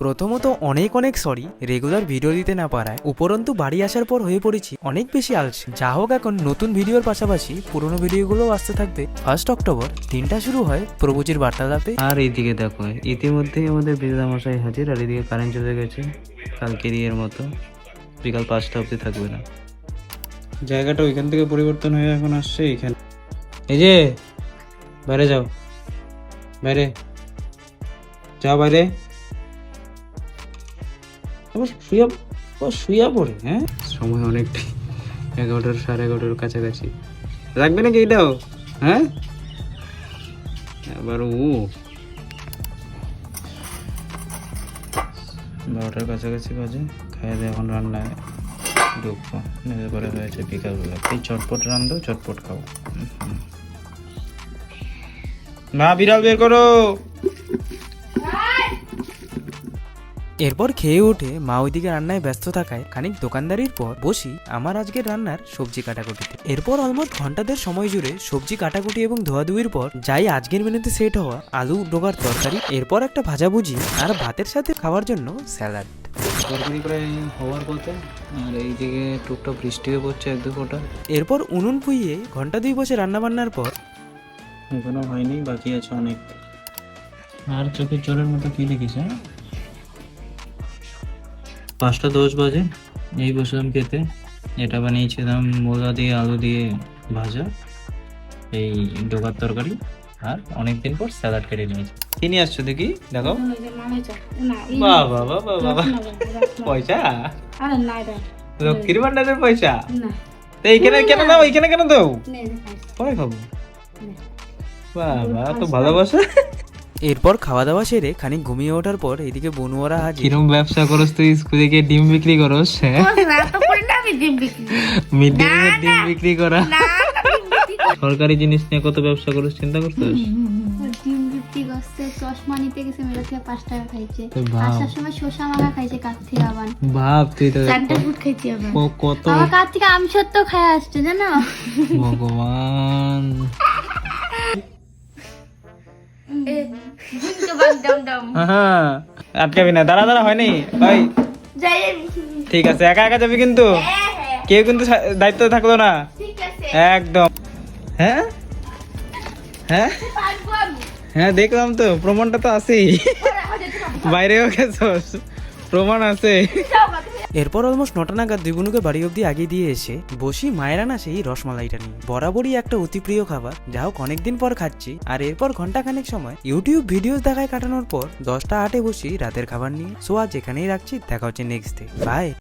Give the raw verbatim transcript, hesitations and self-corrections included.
প্রথমত অনেক অনেক সরি রেগুলার ভিডিও দিতে না পারায়, উপরন্তু বাড়ি আসার পর হয়ে পড়েছি অনেক বেশি আলসে। যা হোক, এখন নতুন ভিডিওর পাশাপাশি পুরোনো ভিডিওগুলোও আসতে থাকবে। ফার্স্ট অক্টোবর দিনটা শুরু হয় প্রভুজির বার্তালাপে। আর এইদিকে দেখো, ইতিমধ্যেই আমাদের বিদ্যামশাই হাজির, আর এদিকে কারেন্ট চলে গেছে কালকেরই এর মতো, বিকাল পাঁচটা অবধি থাকবে না। জায়গাটা ওইখান থেকে পরিবর্তন হয়ে এখন আসছে এইখানে। এই যে বাইরে যাও, বাইরে যাও, বাইরে আবার শুয়া শুয়া পড়ে। হ্যাঁ, সময় অনেকটাই, এগারোটার সাড়ে এগারোটার কাছাকাছি রাখবে নাকি এটাও? হ্যাঁ, আবার ও বারোটার কাছাকাছি বাজে। খাইয়ে দিয়ে এখন রান্নায় ঢুকবো। নেমে পরে হয়েছে বিকালবেলা, এই চটপট রান্ধো, চটপট খাও। মা বিড়াল বের করো। এরপর খেয়ে উঠে মা ওইদিকে রান্নায় ব্যস্ত থাকায় খানিক দোকানদারির পর বসি আমার আজকের রান্নার সবজি কাটাকুটিতে। এরপর অলমোস্ট ঘন্টাদের সময় জুড়ে সবজি কাটাকুটি এবং ধোয়াধুয়ির পর যাই আজকের মেনুতে সেট হওয়া আলু ডোগার তরকারি, এরপর একটা ভাজাভুজি আর ভাতের সাথে খাওয়ার জন্য স্যালাড। তরকারি প্রায় হওয়ার কথা, আর এইদিকে টুকটাক বৃষ্টিও পড়ছে এক দু ফোঁটা। এরপর উনুন ফুইয়ে ঘন্টা দুই বসে রান্না বান্নার পর এখনো হয়নি, বাকি আছে অনেক। আর চোখের জলের মতো কি দেখিস? হ্যাঁ, পাঁচটা দশ বাজে, এই বসলাম খেতে। এটা বানিয়েছিলাম মোলা দিয়ে আলু দিয়ে ভাজা, এই ডোকার তরকারি, আর অনেকদিন পর স্যালাড কেটে নিয়েছি। কি নিয়ে আসছো দেখি, দেখো। বাবা বাবা বাবা, পয়সা লক্ষ্মীর ভান্ডারের পয়সা। তো এইখানে কেন দাও, এইখানে কেন দাও? পরে খাবো। বাবা, তো ভালোবাসা। এরপর খাওয়া দাওয়া সেরে খানিক ঘুমিয়ে ওঠার পর এদিকে বনুয়ারা হাজির। কিরম ব্যবসা করস তুই? স্কুলে গিয়ে ডিম বিক্রি করস? হ্যাঁ, মিড ডে মিলের ডিম বিক্রি করা। সরকারি জিনিস নিয়ে কত ব্যবসা করস, চিন্তা করছিস? ডিম বিক্রি করছে, চশমা নিতে গেছে, মেলা থেকে পাঁচ টাকা খাইছে, আসার সময় শসা মাখা খাইছে, কাছ থেকে আবার ভাব তুই তো চারটা ফুট খাইছি, আবার কত আমার কাছ থেকে আম সত্য খায় আসছে, জানো? ভগবান, হ্যাঁ, আটকাবি না, দাঁড়া দাঁড়া, হয়নি ভাই। ঠিক আছে, একা একা যাবি কিন্তু, কেউ কিন্তু দায়িত্ব থাকলো না একদম। হ্যাঁ হ্যাঁ হ্যাঁ, দেখলাম তো, প্রমাণটা তো আছেই, বাইরেও গেছস, প্রমাণ আছে। এরপর অলমোস্ট নটা নাগাদ দুই বোনুকে বাড়ি অব্দি আগে দিয়ে এসে বসি মায়ের আনা সেই রসমালাইটা নিয়ে। বরাবরই একটা অতি প্রিয় খাবার, যা হোক অনেকদিন পর খাচ্ছি। আর এরপর ঘন্টা খানেক সময় ইউটিউব ভিডিওস দেখায় কাটানোর পর দশটা আটে বসি রাতের খাবার নিয়ে। সো আজ এখানেই রাখছি, দেখা হচ্ছে নেক্সট ডে, বাই।